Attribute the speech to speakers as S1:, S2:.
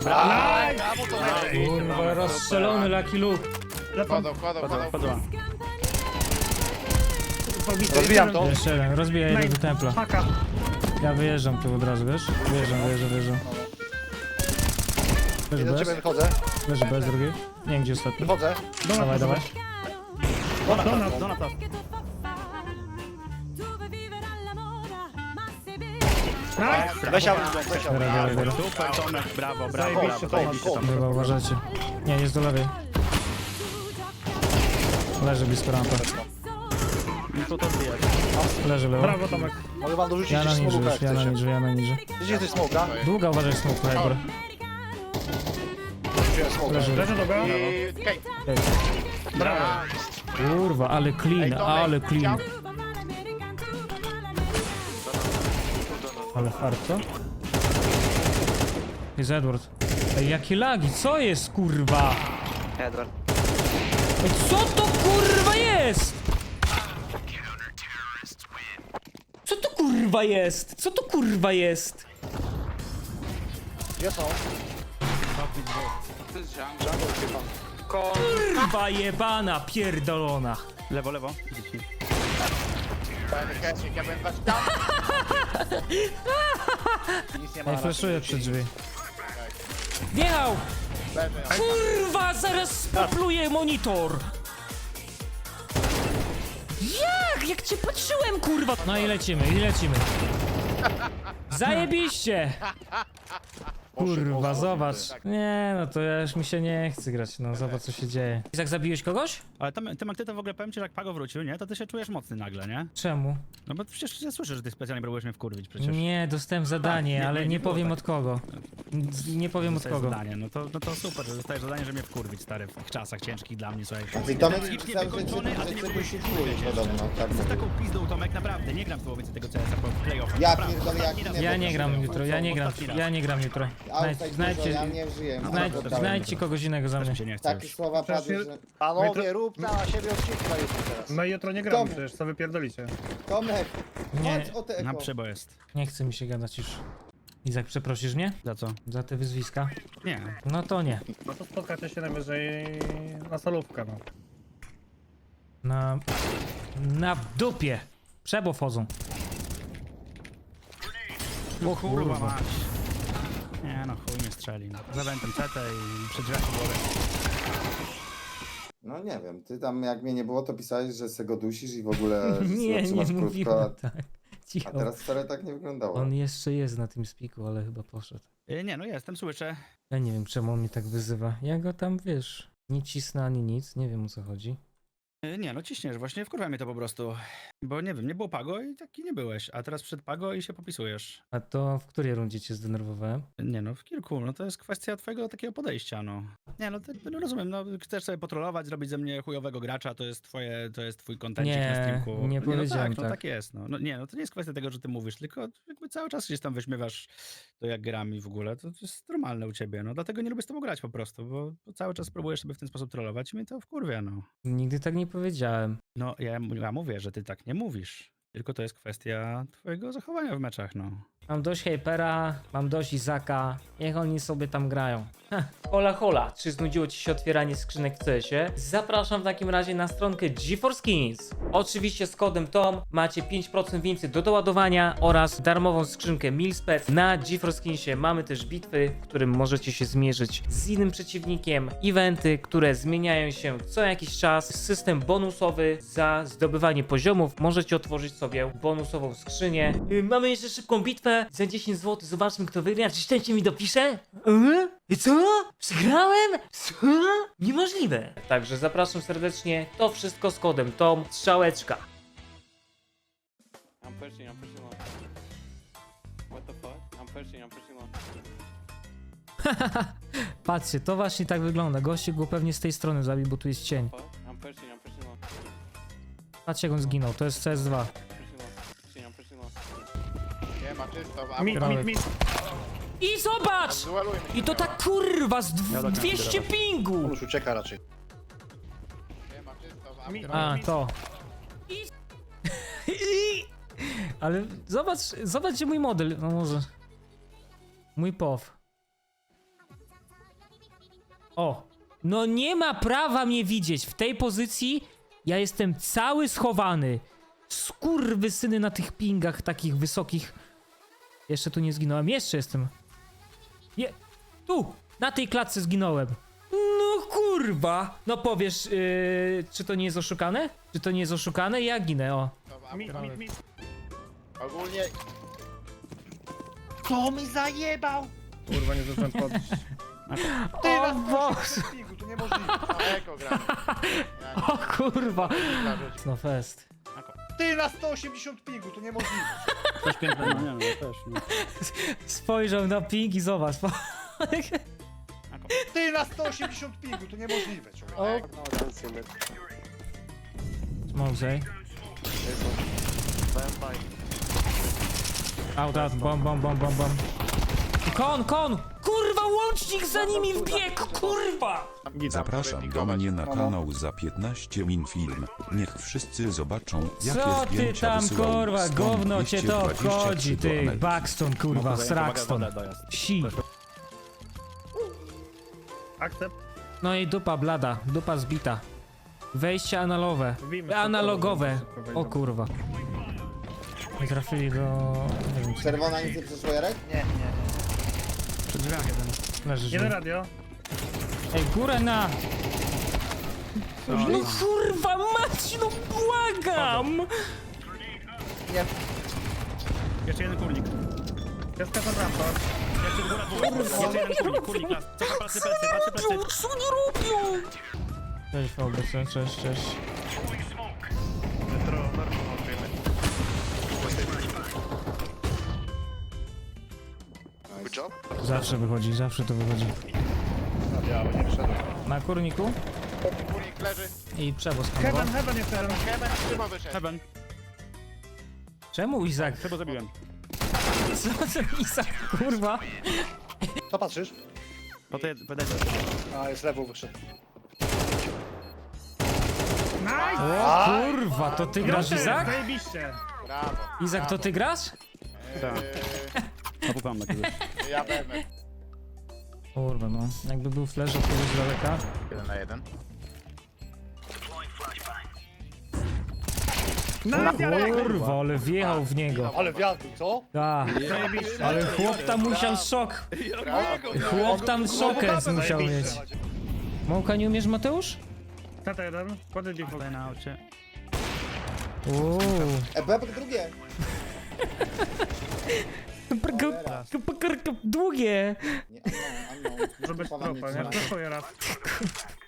S1: Brawo, to
S2: Kurwa, rozstrzelony Lucky Luke.
S3: Wpadła.
S1: Rozbijam to.
S2: Jeszcze jeden, rozbijaj jeden do templa.
S4: Paka.
S2: Ja wyjeżdżam tu od razu, wiesz? Wyjeżdżam. Leży
S1: Jeden do
S2: bez,
S1: ciebie wychodzę.
S2: leży bez drugi. Nie wiem gdzie ostatni.
S1: Wychodzę.
S2: Dawaj, dawaj.
S3: Donata.
S1: Weź auto, weź auto.
S2: Dobra.
S3: Super, Tomek, brawo,
S4: Zajebiście,
S3: zajebiście, Tomek.
S2: Dobra, uważajcie. Nie, jest do lewej. Leży blisko rampy.
S3: Co to zbijać?
S2: Leży lewo.
S4: Brawo, Tomek.
S1: Mogę wam dorzucić
S2: Ja na
S1: gdzieś
S2: ninja
S1: smoka,
S2: już,
S1: jak chcecie.
S2: ja na ninja.
S1: Gdzie jest smoka?
S2: Długa uważaj smoke, Hyper.
S1: Wziąłem smoka.
S2: Leży.
S4: Leży do go.
S3: Brawo.
S2: Kurwa, ale clean, ale clean. Ale hard, co? Jest Edward. Ej, jakie lagi, co jest, kurwa?
S5: Edward.
S2: Ej, co to kurwa jest? Co to kurwa jest? Co to kurwa jest?
S1: Gdzie są?
S2: Kurwa jebana, pierdolona.
S3: Lewo, lewo. Dzieci.
S1: Nic nie ma.
S2: Ej, flashuję przed drzwi. Wjechał! Kurwa, zaraz spopluję monitor! Jak cię patrzyłem, kurwa! No i lecimy. Zajebiście! Kurwa, zobacz. Nie, no to ja już mi się nie chce grać, no zobacz co się dzieje. Izak, zabiłeś kogoś?
S3: Ale ty to w ogóle powiem ci, że jak Pago wrócił, nie? To ty się czujesz mocny nagle, nie?
S2: Czemu?
S3: No bo przecież ja słyszę, że ty specjalnie próbujesz mnie wkurwić przecież.
S2: Nie, dostałem zadanie,
S3: nie,
S2: ale
S3: nie
S2: nie
S3: było
S2: powiem
S3: tak.
S2: od kogo. Nie powiem od
S3: Dostajesz
S2: kogo.
S3: zadanie, no to super, że dostajesz zadanie, że mnie wkurwić, stary, w tych czasach ciężkich dla mnie, słuchaj.
S6: I Tomek
S3: Psychicznie
S6: pisał, że
S3: wykończony, a ty nie
S6: cię
S3: próbujesz
S6: wyświetluje podobno. Tak
S3: Z
S6: mówię.
S3: taką pizdą, Tomek, naprawdę, nie gram w połowie tego CS-a po playoffach.
S6: Ja
S3: Naprawdę,
S6: pierdolę, jak
S3: ostatni raz.
S6: nie
S2: Ja
S6: wiem,
S2: nie gram
S6: co
S2: jutro, ja nie gram jutro.
S6: Outside dużo, ja
S2: Znajdźcie,
S6: nie żyję.
S2: znajdźcie kogoś innego za
S3: Też
S2: mnie.
S3: mi się nie chce
S6: Takie
S3: już.
S6: słowa
S4: Przecież
S6: padły, że...
S1: Panowie, rób na siebie odcinka jutro teraz.
S4: My jutro nie gramy
S6: Tomek.
S4: przecież, co wy pierdolicie.
S6: Tomek,
S2: Nie.
S6: chodź o te
S3: Na
S6: eko.
S3: przybo jest.
S2: Nie chce mi się gadać już. Izak, przeprosisz mnie?
S3: Za co?
S2: Za te wyzwiska?
S3: Nie.
S2: No to nie.
S4: No to spotkacie się najwyżej na solówkę, no.
S2: Na dupie. Przebo wchodzą.
S3: O kurwa mać. Nie no, chuj mnie strzeli. No. Za wentem CT i przed drzwiami głowę.
S6: No nie wiem, ty tam jak mnie nie było, to pisałeś, że se go dusisz i w ogóle że
S2: Nie,
S6: sobie trzymasz
S2: nie
S6: krótko,
S2: mówiłem tak.
S6: a
S2: Cicho.
S6: teraz wcale tak nie wyglądało.
S2: On jeszcze jest na tym spiku, ale chyba poszedł.
S3: Nie no, jestem, słyszę.
S2: Ja nie wiem, czemu on mnie tak wyzywa. Ja go tam, wiesz, nie cisnę ani nic, nie wiem o co chodzi.
S3: Nie no, ciśniesz, właśnie wkurwa mnie to po prostu. Bo nie wiem, nie było Pago i taki nie byłeś. A teraz przed Pago i się popisujesz.
S2: A to w której rundzie cię zdenerwowałem?
S3: Nie no, w kilku. No to jest kwestia twojego takiego podejścia, no. Nie no, no rozumiem, no chcesz sobie potrolować, zrobić ze mnie chujowego gracza, to jest twój kontencik
S2: Nie,
S3: na streamku.
S2: nie
S3: no
S2: powiedziałem
S3: tak. No
S2: tak.
S3: tak jest, no. Nie no, to nie jest kwestia tego, że ty mówisz, tylko jakby cały czas gdzieś tam wyśmiewasz to jak gram i w ogóle, to jest normalne u ciebie, no. Dlatego nie lubię z tobą grać po prostu, bo cały czas próbujesz sobie w ten sposób trollować i mnie to wkurwia, no.
S2: Nigdy tak nie powiedziałem.
S3: No, ja mówię, że ty tak nie mówisz. Tylko to jest kwestia twojego zachowania w meczach, no.
S2: Mam dość Hypera, mam dość Izaka, niech oni sobie tam grają. Hola hola, czy znudziło ci się otwieranie skrzynek w CS-ie? Zapraszam w takim razie na stronkę GeForce Skins. Oczywiście z kodem TOM macie 5% więcej do doładowania oraz darmową skrzynkę Milspec. Na GeForce Skinsie mamy też bitwy, w którym możecie się zmierzyć z innym przeciwnikiem, eventy, które zmieniają się co jakiś czas, system bonusowy za zdobywanie poziomów. Możecie otworzyć sobie bonusową skrzynię. Mamy jeszcze szybką bitwę za 10 zł. Zobaczmy kto wygra. Czy szczęście mi dopisze? I co? Przegrałem? Co? Niemożliwe. Także zapraszam serdecznie. To wszystko z kodem TOM. Strzałeczka.
S5: I'm pushing long. What the fuck? I'm pushing long.
S2: Patrzcie, to właśnie tak wygląda. Gościu go pewnie z tej strony zabił, bo tu jest cień.
S5: Fuck? I'm pushing long.
S2: Patrzcie jak on zginął. To jest CS2.
S5: Pushing long.
S1: Nie ma czysto,
S4: Mit.
S2: I zobacz! I to tak kurwa z 200 pingu!
S1: Już ucieka raczej.
S2: A, to. Ale zobaczcie mój model. No może. Mój POW. O! No nie ma prawa mnie widzieć. W tej pozycji ja jestem cały schowany. Skurwysyny na tych pingach takich wysokich. Jeszcze tu nie zginąłem. Jeszcze jestem. Tu! Na tej klatce zginąłem. No kurwa! No powiesz, czy to nie jest oszukane? Czy to nie jest oszukane? Ja ginę, o.
S1: To w
S4: Mi,
S1: aptece.
S4: mi.
S1: Ogólnie... Co mi zajebał?
S4: Kurwa, nie zdążyłem podnieść.
S1: Ty
S2: O
S1: na
S2: Boże!
S1: 180 pingu, to niemożliwe. Daleko gramy. Ja nie
S2: O kurwa!
S1: mogę rzucić.
S2: No fest.
S1: Ty na 180 pingu, to niemożliwe.
S3: Coś pięknego, nie no, też, no.
S2: Spojrzał na ping i zobacz.
S1: Ty na 180 pingu, to niemożliwe, człowiek.
S2: O.
S5: No, I don't see mid.
S2: Smoke say.
S5: There's one. Vampire.
S2: Out, bom. Kon! Kurwa, łącznik za nimi wbiegł, kurwa!
S7: Zapraszam do mnie na kanał za 15 min film. Niech wszyscy zobaczą, jakie
S2: Co ty
S7: zdjęcia
S2: tam,
S7: wysyłał
S2: kurwa,
S7: Stone
S2: gówno cię to
S7: 223
S2: obchodzi,
S7: do
S2: ty,
S7: Ameryki.
S2: Buxton, kurwa, Sraxton, si.
S4: Akcept.
S2: No i dupa blada, dupa zbita. Wejście analowe,
S4: Wbijmy
S2: analogowe,
S4: szybko,
S2: o kurwa. Nie trafili do... nie wiem,
S6: Czerwona nic nie przeszło, Jarek?
S3: Przy drzwiach jeden.
S2: leży
S4: Jeden
S2: żył.
S4: radio.
S2: Ej, górę na... No kurwa mać, no błagam!
S3: Jeszcze jeden kurnik.
S4: Jest kasan raptor.
S3: Jeszcze góra dwóch. Jeszcze jeden kurnik las. Cofa, patrzy plecy.
S2: Co nie robią? Cześć VBC, cześć. Zawsze wychodzi, zawsze to wychodzi.
S1: Biało, nie wszedł.
S2: Na kurniku
S1: Kurnik leży.
S2: i przewóz handlowy.
S4: Heaven jest jeden.
S1: Heaven, chyba wyszedł.
S3: Heaven.
S2: Czemu Izak?
S3: Chyba zabiłem.
S2: Co ten Izak, kurwa?
S1: Co patrzysz?
S3: Podejdę.
S1: A, jest lewo wyszedł.
S4: Nice!
S2: O kurwa, to ty grasz Izak?
S4: Zajebiście.
S1: Brawo.
S2: Izak, to ty grasz?
S3: Tak. Napupam na kogoś.
S1: Ja będę.
S2: Kurwa no, jakby był flash od kogoś z daleka.
S1: 1 na 1.
S2: Kurwa, ale wjechał w niego.
S1: Ale wiatr, co?
S2: Tak, ale chłop tam musiał szok. Chłop tam szokę musiał mieć. Mąka nie umiesz, Mateusz?
S4: Tata jeden. Kładę default.
S3: Tutaj na aucie.
S2: Uuu.
S6: Bebek drugie.
S2: Długie.
S6: Nie, unknown.
S4: Żeby
S6: Chowam
S4: stropa,
S6: nic
S4: nie?
S6: na-
S4: Proszę raz.